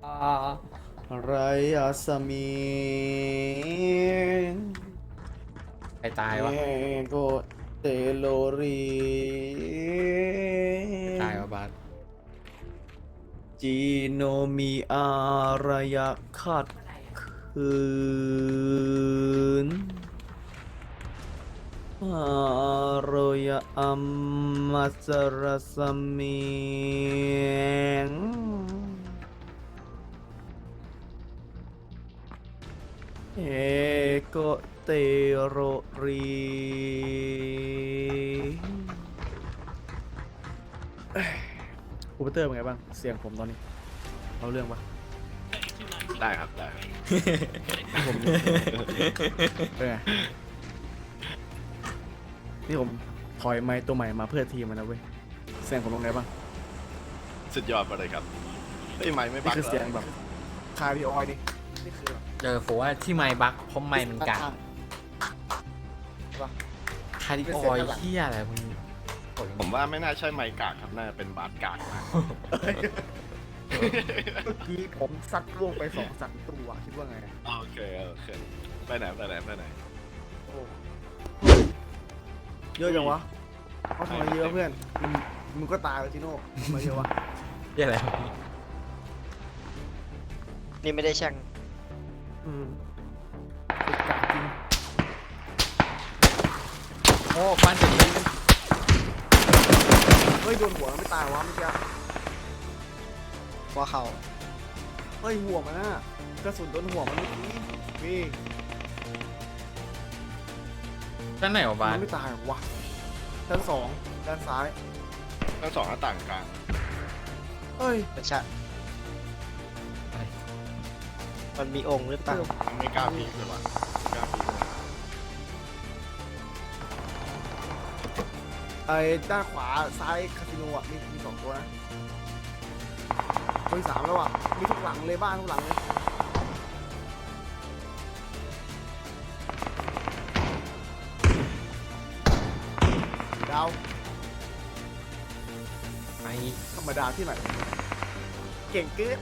ไรอาสมีใครตายวะโกเตโลรีตายวะบาสจีโนมีอารยะขัดขืนอารยะอัมมัสรสมีงเอโกเตโรรีคอมพิวเตอร์เป็นไงบ้างเสียงผมตอนนี้เอาเรื่องปะได้ครับได้ผมเป็นไงนี่ผมถอยไม้ตัวใหม่มาเพื่อทีมมันนะเว้ยเสียงผมตรงไหนบ้างสุดยอดไปเลยครับเฮ้ยไม่บันี่กคือเสียงแบบคาร์ดิออยดินี่คือแบบผมว่าที่ไมค์บักเพราะไมค์มันกากคาร์ดิโออยเฮียอะไรมึงผมว่าไม่น่าใช่ไมค์กากครับน่าจะเป็นบาสกากมากเมื่อกี้ผมซัดล่วงไป2-3ตัวคิดว่าไงโอเคไปไหนโอ้เยอะจังวะเขาทำไมเยอะเพื่อนมึงก็ตายแล้วจิโน่ทำไมเยอะวะเฮียอะไรวะนี่ไม่ได้แช่งติดกากจริงโอ้ฟันจะดีเฮ้ยโดนหัวไม่ตายวะเมื่อกี้ว่าเขาเฮ้ยหัวมันน่ะกระสุนโดนหัวมันเมื่อกี้นี่ด้านไหนวะบามัสนไม่ตายวะชั้น2ด้านซ้ายทั้งสองหน้าต่างกลางเฮ้ยมันชะมันมีองค์หรือเปล่าไม่กล้าพีคเลยว่ะไม่กล้าพีคเลยไอ้ด้านขวาซ้ายคาสิโนอ่ะมี2ตัวนะมี3แล้วอ่ะมีทุกหลังเลยบ้านทุกหลังเลยดาวไอธรรมดาที่ไหนเก่งเกิน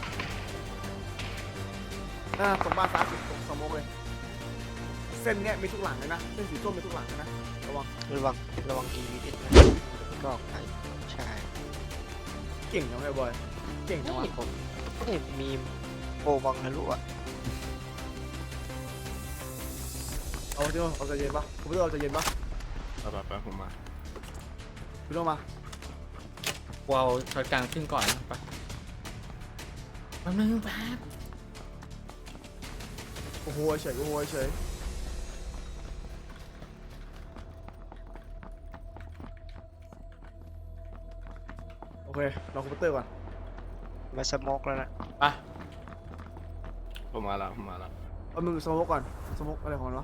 ตรงบ้านซ้ายสุดตรงสมองเลยเส้นเนี้ยมีทุกหลังเลยนะเส้นสีส้มมีทุกหลังเลยนะระวังระวังดีวิดนะก็ออกไปใช่เก่งจังเลยบอยเก่งจังวะนี่ผมนี่มีโปรบังทะลุอ่ะเอาจริงเอาใจเย็นปะผมไม่ต้องเอาใจเย็นปะไปผมมาพี่ต้องมากูเอาช็อตกลางขึ้นก่อนนะไปแป๊บนึงแป๊บโอ้โหเฉยโอ้โหเฉยโอเคลองคอมพิวเตอร์ก่อนมาสโมกแล้วนะไปผมมาแล้วเอามือสโมกก่อนสโมกอะไรของมันวะ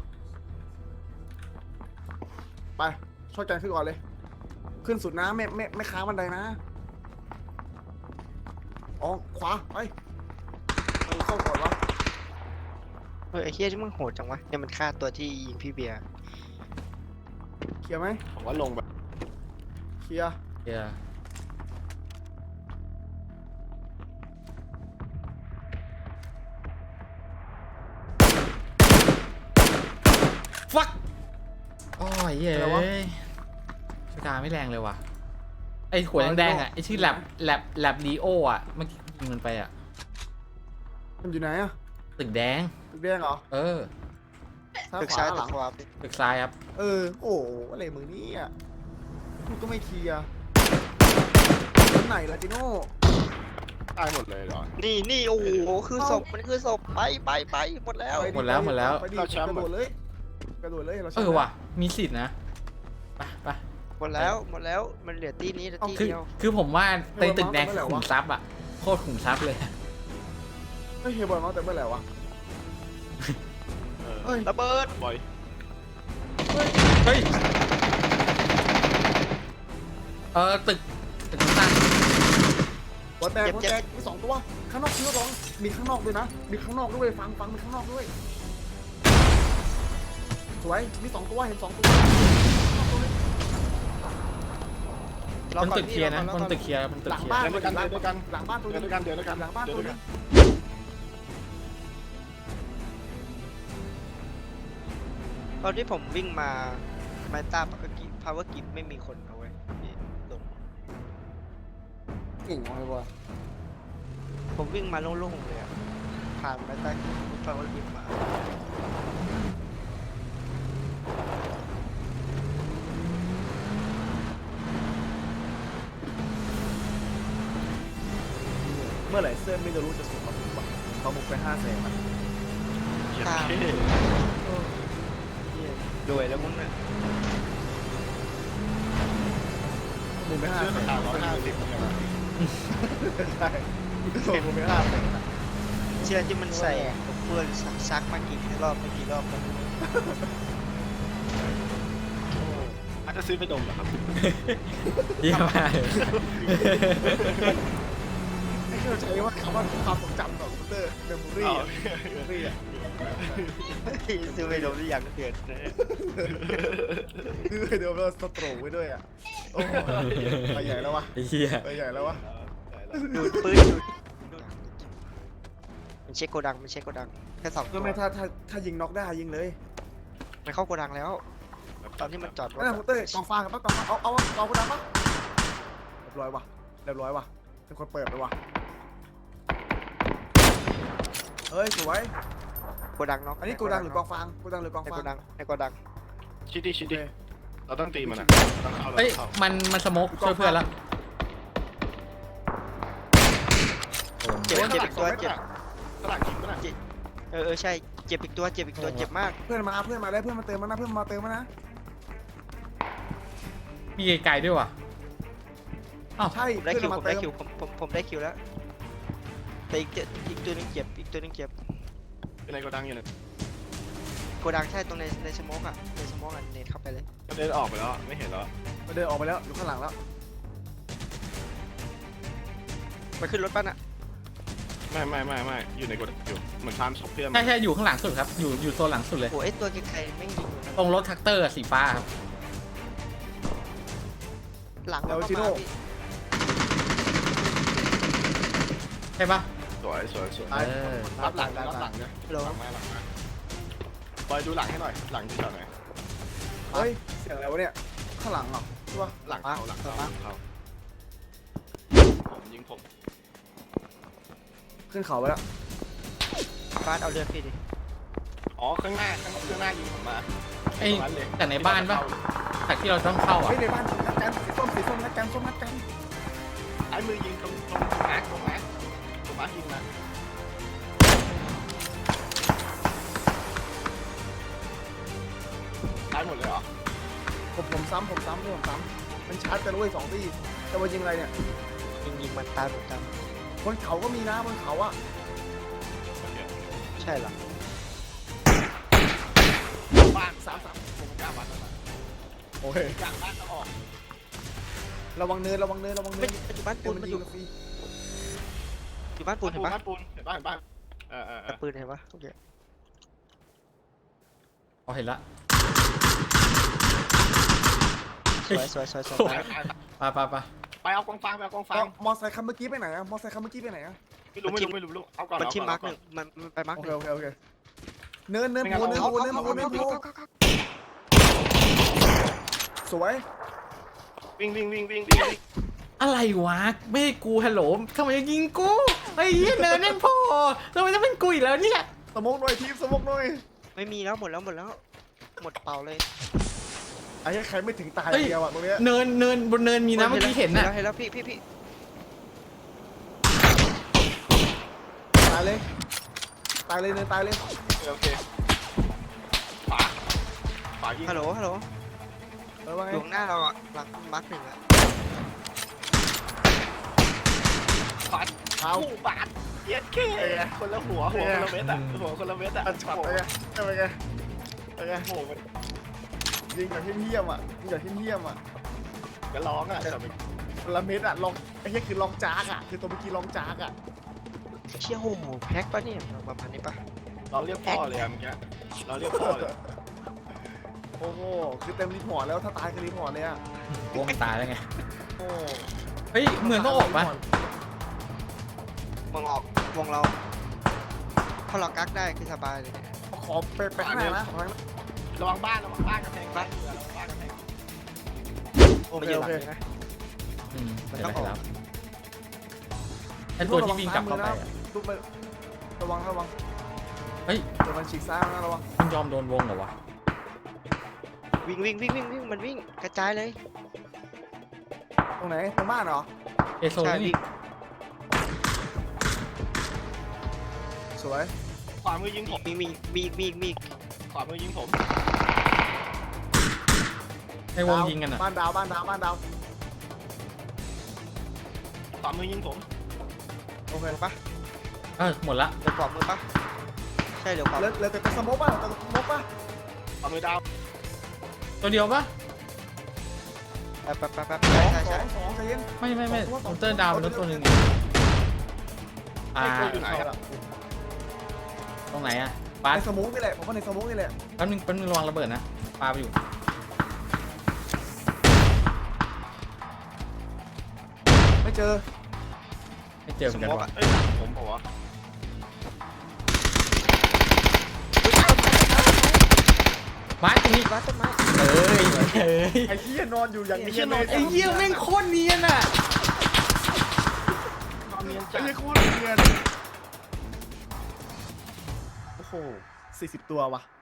ไปช่วยกันขึ้นก่อนเลย ขึ้นสุดนะไม่ค้างบันไดนะอ๋อขวาไปเข้าก่อนวะเฮ้ยไอ้เฮียที่มึงโหดจังวะเนี่ยมันฆ่าตัวที่ยิงพี่เบียร์เคลียร์ไหมผมว่าลงแบบเคลียร์เฮียฟักโอ้ยเย้ยสกาไม่แรงเลยว่ะไอหัวแดงๆอ่ะไอชื่อแลบลีโออ่ะเมื่อกี้ยิงมันไปอ่ะมันอยู่ไหนอะตึกแดงตึกแดงเหรอเออตึกขซ้ายวหตึลักงขวาตึกซ้ายครับโอ้อะไรมึงเนี่ยมึงก็ไม่เคลียร์คนไหนล่ะจิโน่ตายหมดเลยเหรอนี่โอ้โหคือศพมันคือศพไปหมดแล้วไปดิหมดแล้วไปดิกระโดดเลยกระโดดเลยเราเออว่ะมีสิทธินะไปหมดแล้วมันเหลือตีนี้ตีคือเดียวคือผมว่าในตึกแดงคือขุมทรัพย์อ่ะโคตรขุมทรัพย์เลยเฮ้ยเฮียบอยมาแต่เมื่อไหร่วะ เฮ้ยระเบิดบอยเฮ้ยตึกข้างหัวแตกมี2ตัวข้างนอกคือ2มีข้างนอกด้วยนะมีข้างนอกด้วยฟังมีข้างนอกด้วยสวยมี2ตัวเห็น2ตัวรอบนก่อนตึกเคลียร์นะพี่รอบบก่อนนตึกเคลียร์บนตึกหลังเคลียบ้านร์เดินด้วยกันเดินด้วยกันหลังบ้านตัวเดินึนงด้วยกันเดินด้วยกันหลังบ้านเดิตัวนด้วยนึกันงตอนที่ผมวิ่งมาไมต้าปกติพาวเวอร์กิฟไม่มีคนเอาไว้พี่ลงเก่งเลยวะผมวิ่งมาโล่งๆเลยอะผ่านไมต้าพาวเวอร์กิฟมาเมื่อไหร่เสื้อไม่จะรู้จะส่งมาบุกวะมาบุกไป500,000อะเหี้ยตามเท่รวยแล้วมึงเนี่ยบุกไปเสื้อ 500,000 ขาว150เนี่ยนะใช่บุกไป500,000อะเชื่อที่มันใส่เพื่อนซักมากี่รอบไม่กี่รอบแล้วอาจจะซื้อไปดมเหรอครับเยี่ยมมากเลยไอ้ที่เราใช้ว่าคำว่าความทรงจำของคอมพิวเตอร์เมมโมรี่อ๋ออะเมมโมรี่อะซื้อไปโดนที่อย่างเดือนนะคือเดี๋ยวเราสโตรกไว้ด้วยอ่ะโอ้โหไปใหญ่แล้ววะไอ้เหี้ยไปใหญ่แล้ววะดูดปืนดูดมันเช็คโกดังมันเช็คโกดังแค่สองตัก็วไม่ถ้ายิงน็อกได้ยิงเลยมันเข้าโกดังแล้ว ตอนที่มันจอดรถนั่นอะคอมพิวเตอร์กองฟางกับกองฟางเอาคนดังปะเรียบร้อยวะเรียบร้อยวะเป็นคนเปิดไปวะเฮ้ยสวยโกดังเนาะอันนี้กูดังหรือกองฟางกูดังหรือกองในฟาโกงดังในโกดังชิดดิชิดดิเราต้องตีมันอ่ะต้องเข้าเราเอ้ยต้องเข้ามันสโมกช่วยเพื่อนแล้วเจ็บอีกตัวเจ็บสลักยิงก็ได้ใช่เจ็บอีกตัวเจ็บอีกตัวเจ็บมากเพื่อนมาได้เพื่อนมาเติมมานะเพื่อนมาเติมมานะมีไกลๆด้วยว่ะใช่ได้เพื่อนคิวมาผมเติได้มคิวผมได้คิวแล้วแต่อีกตัวนึงเจ็บอีกตัวนึงเจ็บเป็นในโกดังอยู่เนี่ยโกดังใช่ตรงในสโมกอ่ะในสโมกอ่ะเนทเข้าไปเลยเดินออกไปแล้วไม่เห็นแล้วมาเดินออกไปแล้วอยู่ข้างหลังแล้วไปขึ้นรถป่ะน่ะไม่อยู่ในโกดังอยู่เหมือนฟาร์มศพเพื่อนใช่อยู่ข้างหลังสุดครับ อยู่โซนหลังสุดเลยโอ้ไอตัวไกลๆไม่ยิงอยู่นะตรงรถแท็กเตอร์สีฟ้าครับหลังเราก็มาพี่ใช่ปะสวยตายรับหลังเนี่ยเราหลังมาบอยดูหลังให้หน่อยหลังที่จอดหน่อยเฮ้ยเสียงอะไรวะเนี่ยข้างหลังเหรอใช่ปะหลังเขาผมยิงผมขึ้นเขาไปแล้วบ้านเอาเรือพี่ดิอ๋อข้างหน้ายิงผมมาไอ้แต่ในบ้านปะแต่ที่เราต้องเข้าอ่ะเฮ้ยในบ้านนัดกันสีส้มนัดกันส้มนัดกันไอ้มือยิงตรงมาร์คยิงมาตายหมดเลยเหรอผมซ้ำมันชาร์จกันด้วย2 ที่จะมายิงอะไรเนี่ยยิงมันตายประจบนเขาก็มีนะบนเขาอะำใช่เหรอบ้าน3ผมกล้าบ้านแล้วโอเคกลางบ้านต้องออกระวังเนินมันอยู่บ้านปูนมันอยู่บ้านปูนเห็นปะบ้านปูนเห็นบ้านแต่ปืนเห็นปะโอเคพอเห็นละสวยไปเอากองฟางมอไซค์คันเมื่อกี้ไปไหนอะไม่รู้เอาก่อนมันที่มาร์กหนึ่งมันไปมาร์กโอหเคนึ่งโอเคเนินโพสวยวิ่งอะไรวะไม่ให้กูฮัลโหลทำไมยังยิงกูไอ้เหี้ยเนินนั่นพอทำไมต้องเป็นกูอีกแล้วเนี่ยสมกหน่อยทีมสมกหน่อยไม่มีแล้วหมดแล้วหมดเป่าเลยไอ้ใครไม่ถึงตายเดียวอะตรงเนี้ยเนินบนเนินมีนะเมื่อกี้เห็นน่ะเห็นแล้วพี่ตายเลยเนินตายเลยโอเคฝายิงฮัลโหลว่าไงอยู่ข้างหน้าเราอ่ะหลังมาร์กหนึ่งอ่ะเอาคู่บาทเย็ดเคคนละหัวคนละเม็ดอ่ะหัวคนละเม็ดอ่ะอันช็อตไปไงโหยิงอย่างเฮี้ยมอ่ะก็ร้องอ่ะละเม็ดอ่ะลองไอ้เหี้ยคือลองจากอ่ะคือตัวเมื่อกี้ลองจากอ่ะเชี่ยโหแพ็กปะเนี่ยประมาณนี้ปะเราเรียกพ่อเลยอ่ะเมื่อกี้เราเรียกพ่อเลยโอ้โหคือเต็มรีพอร์ตแล้วถ้าตายคือรีพอร์ตเลยอ่ะวงตายแล้วไงโอ้เฮ้ยเมืองต้องออกปะวงออกวงเราพอเรากักได้คือสบายเลยเนี่ยขอไปข้างในนะขอข้างในระวังบ้านกระแพงบ้านเรือระวังบ้านกระแพงโอมาเคยืนโอหลังเคเลยนะเดี๋ยวไปรับไอ้ตัวที่วิ่งกลับเข้าไปอะลูกไประวังเฮ้ยเดี๋ยวมันฉีกซ้ายนะระวังมันยอมโดนวงเหรอวะวิ่งมันวิ่งกระจายเลยตรงไหนตรงบ้านเหรอเอโซใช่นี่วิ่งสวยขวามือยิงผมมีขวามือยิงผมไอ้วงยิงกันอ่ะบ้านดาวขวามือยิงผมโอเคเดี๋ยวปะหมดละเดี๋ยวขวามือปะใช่เดี๋ยวขวาเหลือแต่สโมกป่ะแต่สโมกป่ะขวามือดาวตัวเดียวปะแป๊บสองใช่สองใจเย็นไม่มอนเตอร์ดาวเป็นรถตัวหนึ่งอ่าไอ้ตัวอยู่ไหนครับตรงไหนอ่ะปาในสโมกนี่แหละผมว่าในสโมกนี่แหละแป๊บนึงระวังระเบิดนะปาไปอยู่ไม่เจอไม่เจอเหมือนกันสมว่ะเอ้ยหลังผมบอกว่าไม้ตรงนี้บ้านต้นไม้เอ้ยไอ้เหี้ยนอนอยู่อย่างนี้ไอ้เหี้ยแม่งโคตรเนียนอ่ะนอนเนียนไอ้จัดเหี้ยโคตรเนียนโอ้โห40 ตัวว่ะ